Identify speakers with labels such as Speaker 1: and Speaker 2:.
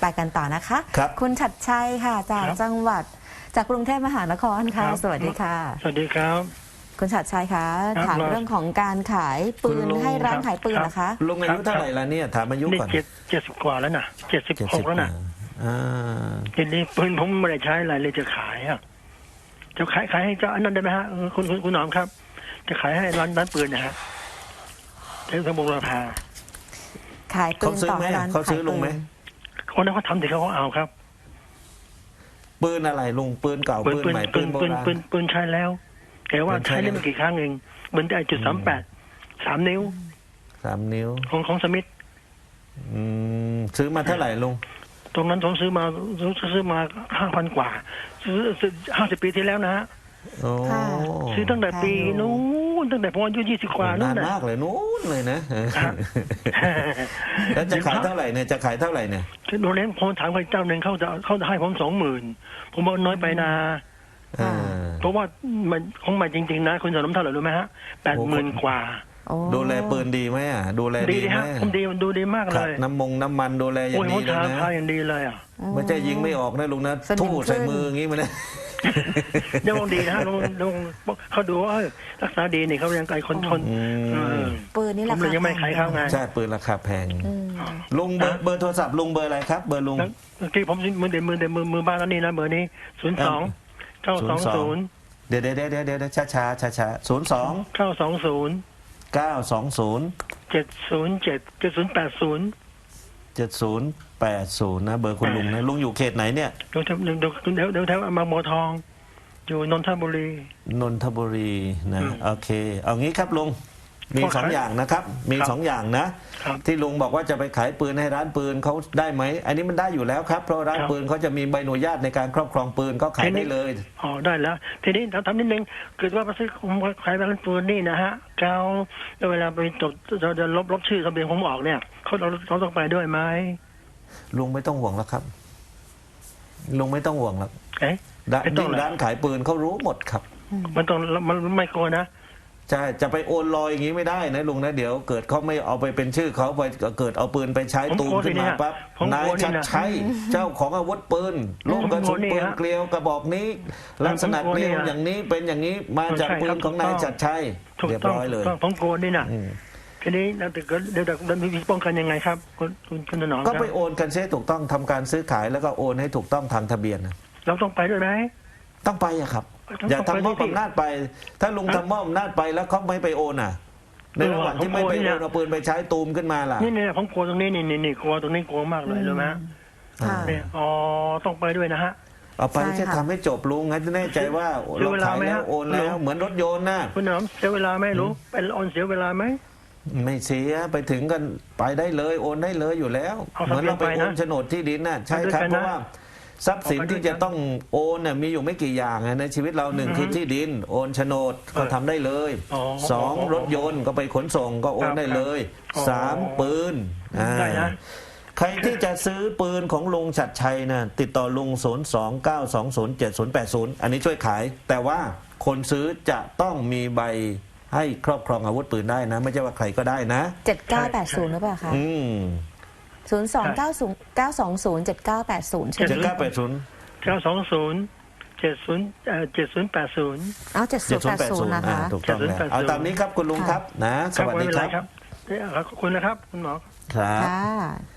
Speaker 1: ไปกันต่อนะคะ
Speaker 2: ครับ
Speaker 1: คุณชัดชัยค่ะจาก
Speaker 3: ครับ
Speaker 1: จังหวัดจากกรุงเทพมหานครค่ะ
Speaker 3: ครับ
Speaker 1: สวัสดีค่ะ
Speaker 3: สวัสดีครับ
Speaker 1: คุณชัดชัยคะ
Speaker 3: ครับ
Speaker 1: ถามเรื่องของการขายปื
Speaker 2: คุณ
Speaker 1: น
Speaker 2: ลุง
Speaker 1: ให้ร้าน
Speaker 3: ครับ
Speaker 1: ขายปืน
Speaker 3: ครับ
Speaker 1: นะคะ
Speaker 2: ลุงอายุเท่าไหร่แล้วเนี่ยถามอายุ
Speaker 3: นี่
Speaker 2: ก่อน
Speaker 3: 70 กว่าแล้วนะ76 แล้วนะ
Speaker 2: อ่า
Speaker 3: ทีนี้ปืนผมไม่ได้ใช้อะไรเลยจะขายอ่ะจะขายให้เจ้าอันนั้นได้ไหมฮะคุณหนอมครับ จะขายให้ร้านปืนนะฮะเทศบาลราคา
Speaker 1: ขายปื
Speaker 2: เขา
Speaker 1: น
Speaker 2: ซื้อ
Speaker 1: ต่อ
Speaker 2: ไหม
Speaker 1: ให้ร้าน
Speaker 2: เขาซื้อ
Speaker 1: ขาย
Speaker 2: ลุงไหม
Speaker 3: คนนั้นเขาทำถึงเขาเอาครับ
Speaker 2: ปืนอะไรลุงปืนเก่าปืนใหม่ปืนโบราณ
Speaker 3: ปืนใช้แล้วแต่ว่า
Speaker 2: ปืนใช้
Speaker 3: ใช้ได้
Speaker 2: แล้ว
Speaker 3: ไม่กี่ครั้งเองปืนได้.38 3 นิ้ว
Speaker 2: 3 นิ้ว
Speaker 3: ของสมิธ
Speaker 2: ซื้อมาเท่าไหร่ลุง
Speaker 3: ตรงนั้นผมซื้อมา5,000 กว่าซื้อ50 ปีที่แล้วนะฮะ
Speaker 2: โอ้
Speaker 1: ค่ะ
Speaker 3: ซื้อตั้งแต่ปีนู้นตั้งแต่ผมอายุ20 กว่านู้
Speaker 2: นาน น
Speaker 3: นะ
Speaker 2: มากเลยนู้นเลยนะ
Speaker 3: ครับ
Speaker 2: แล้วจะขายเท่าไหร่เนี่ยจะขายเท่าไหร่เนี่ย
Speaker 3: โรงเรียนผมถามใครเจ้าหนึ่งเขาจะให้ผม20,000ผมบอกน้อยไปนะ
Speaker 2: อ่า
Speaker 3: เพราะว่ามันของใหม่จริงๆนะคุณสนมเท่าไหร่รู้ไหมฮะ80,000 กว่า
Speaker 1: โอ้
Speaker 2: ดูแลปืนดีไหมอ่ะดูแล
Speaker 3: ดี
Speaker 2: ดีไหม
Speaker 3: ฮะผมดีมันดูดีมาก
Speaker 2: ค
Speaker 3: เล
Speaker 2: รับ
Speaker 3: ย
Speaker 2: น้ำมันดูแลอย่า
Speaker 3: โอ้ย
Speaker 2: ง
Speaker 3: ผ
Speaker 2: ดี
Speaker 3: ม
Speaker 2: เลย
Speaker 3: ทา
Speaker 2: นะ
Speaker 3: ทาอย่างดีเลยอ่ะ
Speaker 2: ไม่ใช่ยิงไม่ออกนะลุงนะ
Speaker 1: สนิม
Speaker 2: ทู่ใส่
Speaker 1: ขึ้น
Speaker 2: มืออย่างงี้มันนะ
Speaker 3: เดี๋ยวมองดีนะฮะลงเขาดูว่ารักษาดีนี่เขายังไกลคนเออ
Speaker 1: ปืนนี่
Speaker 3: ผ
Speaker 1: ราม
Speaker 3: เล
Speaker 1: คาย
Speaker 3: ยังไม่ขายเขาไง
Speaker 2: ใช่ปืนราคาแพง
Speaker 1: อืม
Speaker 2: ลุงเบอร์โทรศัพท์ลุงเบอร์อะไรครับ เบอร์ลุง
Speaker 3: แล้วที่ผมมือบ้านแล้วนี่นะเบอร์นี้02 920
Speaker 2: เดี๋ยวช้า02
Speaker 3: 920
Speaker 2: 920
Speaker 3: 707
Speaker 2: 7080นะเบอร์คุณลุงนะลุงอยู่เขตไหนเนี่ย
Speaker 3: เดี๋ยวแถวบางบัวทอง อยู่นนทบุรี
Speaker 2: นนทบุรีนะ
Speaker 3: อืม
Speaker 2: โอเค เอางี้ครับลุงมี
Speaker 3: ขอ
Speaker 2: สอง
Speaker 3: ขาย
Speaker 2: อย่างนะครับมี
Speaker 3: ครับ
Speaker 2: สองอย่างนะครับ ที่ลุงบอกว่าจะไปขายปืนให้ร้านปืนเขาได้ไหมอันนี้มันได้อยู่แล้วครับเพราะร้าน
Speaker 3: ครับ
Speaker 2: ปืนเขาจะมีใบอนุญาตในการครอบครองปืนก็ขายได้เลย
Speaker 3: อ๋อได้แล้ว ทีนี้ทำนิดนึงเกิดว่าไปซื้อผมขายร้านปืนนี่นะฮะแล้วเวลาไปจดจะลบชื่อทะเบียนผมออกเนี่ยเราต้องไปด้วยไหม
Speaker 2: ลุงไม่ต้องห่วงแล้วครับลุงไม่ต้องห่วงแล้ว
Speaker 3: เอ๊ะ ไม่ต้อง
Speaker 2: ยิ่ง
Speaker 3: เหรอ
Speaker 2: ร้านขายปืนเขารู้หมดครับ
Speaker 3: มันไม่กลัวนะ
Speaker 2: ใช่จะไปโอนลอยอย่างนี้ไม่ได้นะลุงนะเดี๋ยวเกิดเขาไม่เอาไปเป็นชื่อเขาไปเกิดเอาปืนไปใช้
Speaker 3: ผม
Speaker 2: ตูม
Speaker 3: กลัว
Speaker 2: ขึ้นมา
Speaker 3: สิเนี่ย
Speaker 2: ปั๊บ
Speaker 3: ผมกลั
Speaker 2: นายว
Speaker 3: นี่
Speaker 2: ชัด
Speaker 3: นะ
Speaker 2: ชัยเจ้าของอาวุธปืนลูกกระสุน
Speaker 3: ผมกลัวนี่
Speaker 2: ปืน
Speaker 3: ฮะ
Speaker 2: เกลียวกระบอกนี้ ลักษณะ
Speaker 3: ผมกลัว
Speaker 2: เกลียว
Speaker 3: นี่นะ
Speaker 2: อย่างนี้เป็นอย่างนี้มาจาก
Speaker 3: ใช่
Speaker 2: ปื
Speaker 3: ครั
Speaker 2: น
Speaker 3: บ
Speaker 2: ของนายชัดชัย
Speaker 3: ถูก
Speaker 2: เรียบ
Speaker 3: ต้อง
Speaker 2: ร้อยเลย
Speaker 3: ถูกต้องผมกลัวนี่นะ
Speaker 2: อืม
Speaker 3: ทีนี้เราเดี๋ยวมีวิธีป้องกันยังไงครับคุณถนอมค
Speaker 2: ก็
Speaker 3: รับ
Speaker 2: ไปโอนกันเสียถูกต้องทำการซื้อขายแล้วก็โอนให้ถูกต้องทางทะเบียนนะ
Speaker 3: เราต้องไปด้วยไหม
Speaker 2: ต้องไปอะครับ
Speaker 3: ต้อง
Speaker 2: อย่าทำมอบ
Speaker 3: ไปดิ
Speaker 2: อำนาจไป ถ้าลุงทำมอบอำนาจไปแล้วเขาไม่ไปโอนอ่ะ ในระหว่างที่ไม่ไปโอนเอาปืนไปใช้ตูมขึ้นมาล่ะ
Speaker 3: นี่ผมกลัวตรงนี้นี่กลัวตรงนี้กลัวมากเลยรู้ไหมฮะ
Speaker 1: ค่ะ
Speaker 3: เนี่ยอ๋อต้องไปด้วยนะฮะ
Speaker 2: เอาไป
Speaker 1: ใช่
Speaker 2: แค่
Speaker 1: ค่ะ
Speaker 2: ทำให้จบลุงงั้นจะแน่ใจว่า
Speaker 3: เสีย
Speaker 2: เรา
Speaker 3: เวลา
Speaker 2: ขาย
Speaker 3: ไหม
Speaker 2: แล้ว
Speaker 3: ฮะ
Speaker 2: โอนแล้วเหมือนรถยนต์นะ
Speaker 3: คุณถนอมเสียเวลาไหมรู้เป็นออนเสียเวลาไหม
Speaker 2: ไม่เสียไปถึงกันไปได้เลยโอนได้เลยอยู่แล้ว
Speaker 3: เอา
Speaker 2: เหมือนเราไป
Speaker 3: ทะเบียนไป
Speaker 2: โอ
Speaker 3: นะ
Speaker 2: นโฉนดที่ดินน่ะใช่ครับ
Speaker 3: เอาด้วยกันนะ
Speaker 2: เพราะว่าทรัพย์สิน
Speaker 3: เอาไปด้วย
Speaker 2: ที่จะต้องโอนน่ะมีอยู่ไม่กี่อย่างอะในชีวิตเราหนึ่งคือที่ดิน โอนโฉนดก็ทำได้เลย
Speaker 3: อ๋อ
Speaker 2: สองรถยนต์ก็ไปขนส่งก็โอนได้เลย
Speaker 3: อ๋อ
Speaker 2: สามปืน
Speaker 3: ได้นะ
Speaker 2: ใครที่จะซื้อปืนของลุงชัดชัยนะติดต่อลุง029207080อันนี้ช่วยขาย แต่ว่าคนซื้อจะต้องมีใบให้ครอบครองอาวุธปืนได้นะ ไม่ใช่ว่าใครก็ได้นะ
Speaker 1: 7980หรือเปล่าคะ
Speaker 2: อืม
Speaker 1: 02909207980ใช่ไหม
Speaker 2: 7980
Speaker 3: 920 7080
Speaker 1: เอา7080นะคะ
Speaker 2: ถูกต้องแล้วเอาตามนี้ครับคุณลุงครับนะ สวัสดี
Speaker 3: ไม่เป็น
Speaker 2: ค
Speaker 3: ไร
Speaker 2: รับ
Speaker 3: ครับขอบคุณนะครับคุณหมอ
Speaker 2: ครับ
Speaker 1: ค่ะ